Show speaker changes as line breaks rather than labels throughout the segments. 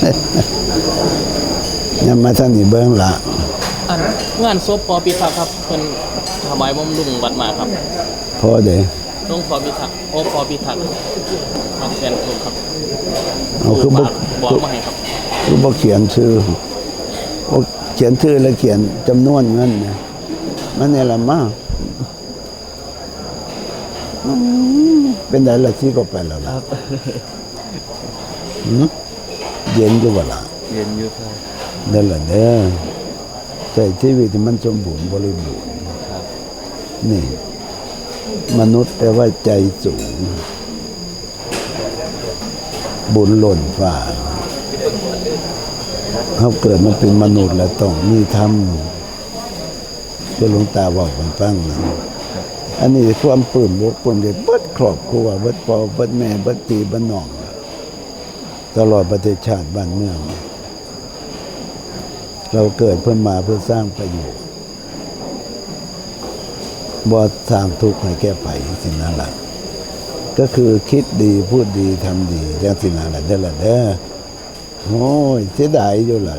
ยังมาท่านนี่เบิ้งละ
งานศพพอพิทักษ์ครับเพิ่นถวายบำรุงวัดมาครับ
พอเด้
หลวงพ่อพิทักษ์พอพิทักษ์ครับแฟนคลับครับ
เอาคือบอก
มาให้ครับ
คือบอกเขียนชื่อบอกเขียนชื่อแล้วเขียนจำนวนเงินเนี่ยมันเนี่ยละมากเป็นไงล่ะที่ก็ไปแล้วล่ะเย็นอยู่บ่ล่ะ
เย็นอยู่ครับ
นั่นแหละเด้อใจชีวิตที่มันสมบูรณ์บริบูรณ์นี่มนุษย์แปลว่าใจสูงบุญหล่นฟ้าเขาเกิดมาเป็นมนุษย์แล้วต้องมีธรรมเพื่อหลวงตาบอกมันฟังนะอันนี้ความปลื้มอกปลื้มใจเบิดครอบครัวเบิดพ่อเบิดแม่เบิดพี่เบิดน้องตลอดประเทศชาติบ้านเมืองเราเกิดเพื่อมาเพื่อสร้างประโยชน์บ่สร้างทุกข์ให้แก้ไขสิ่งนั้นแหละก็คือคิดดีพูดดีทำดีอย่างสิ่งนั้นแหละเด้อละเด้อโอ้ยเสียดายอยู่เลย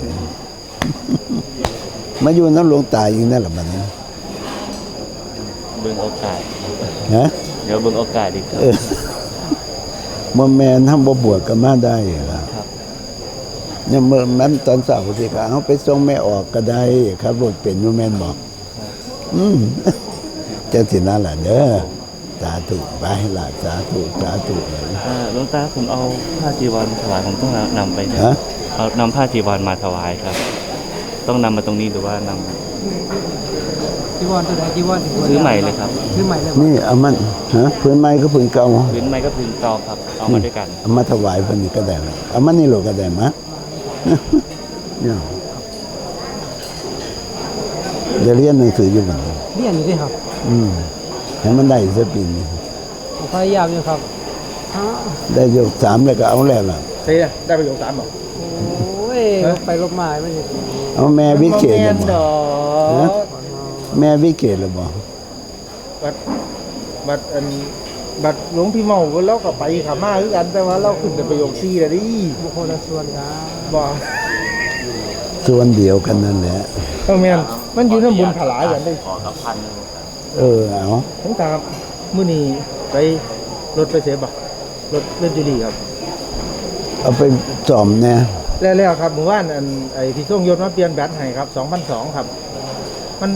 มาอยู่น้ำหลวงตาอีกนั่นแหละมันนะ
เบิ่งโอกาส
ฮะ
เดี๋ยวเบิ่งโอกาสดีครับ
มันแม่นทำบ่บวชก็มาได้ล่ะยังเมื่อนั้นตอนเช้าสิครับเอาไปส่งแม่ออกก็ได้ครับรถเป็นอยู่แม่นบอกจังสินั่นแหละเด้อสาธุไปล่ะสาธุเลย
หลวงตาผมเอาผ้าจีวรถวายผมต้องนำไปเนี่ยเอานำผ้าจีวรมาถวายครับต้องนำมาตรงนี้หรือว่านำ
จีวรตัวไหนจีวร
ซื้อใหม่เลยครับ
ซื้อใหม่เลย
นี่เอามันพื้นไม้ก็พื้นเก่า
พื้นไม้ก็พื้นเก่าครับเอามาด้วยกัน
เอามาถวายเพิ่นนี่ก็ได้ละเอามันนี่โลก็ได้มะเนี่ยเดี๋ยวเรียนหนังสืออยู่บ่
เรียนอยู่ด้วยครับ
ให้มันได้สักปีนี้
พยายามอยู่ครับ
ได้ยก3แล้วก็เอาแล้วล่ะ
ได้ประโยค3บ่
โอ้ยไปลบมาไม่ได้
เอาแม่วิเกตแม่วิเกตแล้วบ่
บัดหลวงพี่เมาแล้วก็ไปขามาคือกันแต่ว่าเราขึ้นแต่ประโยค4แล้วดิ
บุคคลละส่วนครับ
บ่
ส่วนเดียวกันนั่นแหละ
แม่นมันอยู่ในบุญถลายกันได้
ขอกับพัน
เอา
ผมตามมื้อนี้ไปรถไปเสบ่รถเบนจูรี่ครับ
เอาไปจอมแน่
แล้วครับเมื่อวานไอ้ที่ส่งยศมาเปลี่ยนแบตให้ครับ 2,200 ครับมัน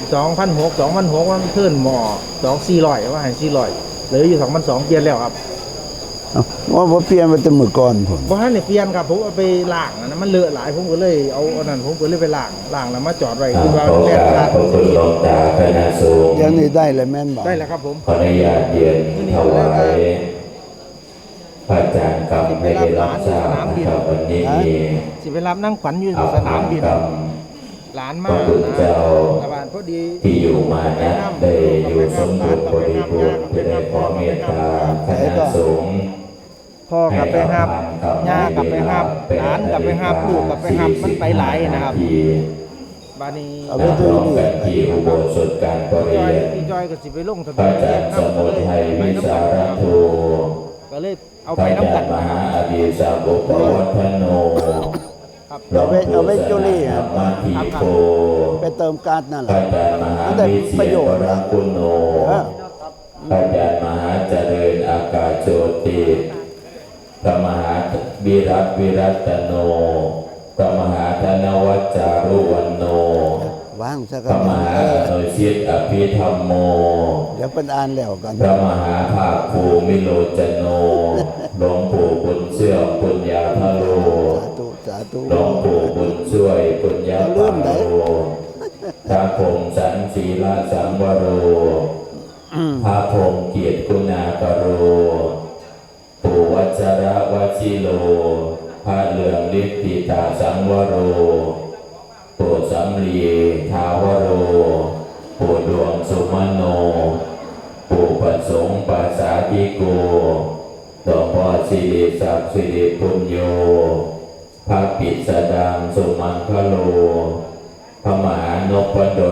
2,600 มันเพิ่นหม้อ2,400ว่าให้400เหลืออยู่2,200เปลี่ยนแล้วครับ
ว่าบ่เปลี่ยนไปแต่มื้อก่อนผม
บ่ทันได้เปลี่ยนครับผมเอาไปล้างนะมันเลอะหลายผมก็เลยเอาอันนั้นผมก็เลยไปล้างแล้วมาจอดไว้คือว่าแล่นขาด
ขอบคุณหลวงตาคณะสงฆ์
อย่างนี้ได้แล้วแม่นบ่
ได้แล้วครับผม
ขออนุญาตเรียนถวายพระอาจารย์กรรมให้ได้รับทราบนะครับวันนี้มี
สิไปรับนั่งขวัญอยู่สนามบินหลานมา
เจ้า
พอดี
ที่อยู่มานะได้อยู่สมบูรณ์บริบูรณ์จะได้ขอเมตตาคณะสงฆ์
พ่อกลับไปหับย่ากลับไปหับหลานกลับไปหับลูกกลับไปหับมันไปหลายนะครับบานี้
เอาไปดูกันที่อุโบสถการประเรียน
พี่จอยก็สิไปลงทะ
เบียนพระอาจารย์สมุทัยวิสารโท
ก็เลยเอาไปน้ำกัน
มหาอดีสาวกวัฒโน
เอาไปจุลี
มาทีโพ
ไปเติมการนั่นแหละ
มันได้ประโยชน์นะคุณโนพระอาจารย์มหาเจริญอากาศโชติพระมหาวิรัตโนพระมหาธนวัจจารุวันโนพระมหาโนชิตอภิธรรมโม
เดี๋ยวเป็นอ่านแล้วกัน
พระมหาภาคภูมิโลจโนหลวงปู่บุญเชื่อมปุญญาภโรหลวงปู่บุญช่วยปุญญาภโรพระพงษ์สันศีลสังวโรพระพงษ์เกียรติคุณากโรปู่วัชระวชิโลพระเหลืองฤทธิตาสังวโรปู่สำลีทาวโรปู่ดวงสุมโนปู่ประสงค์ปัสสาธิโกหลวงพ่อสิริศักดิ์สิริปุญโญพระปิสดังสุมังคโลพระมหานพดล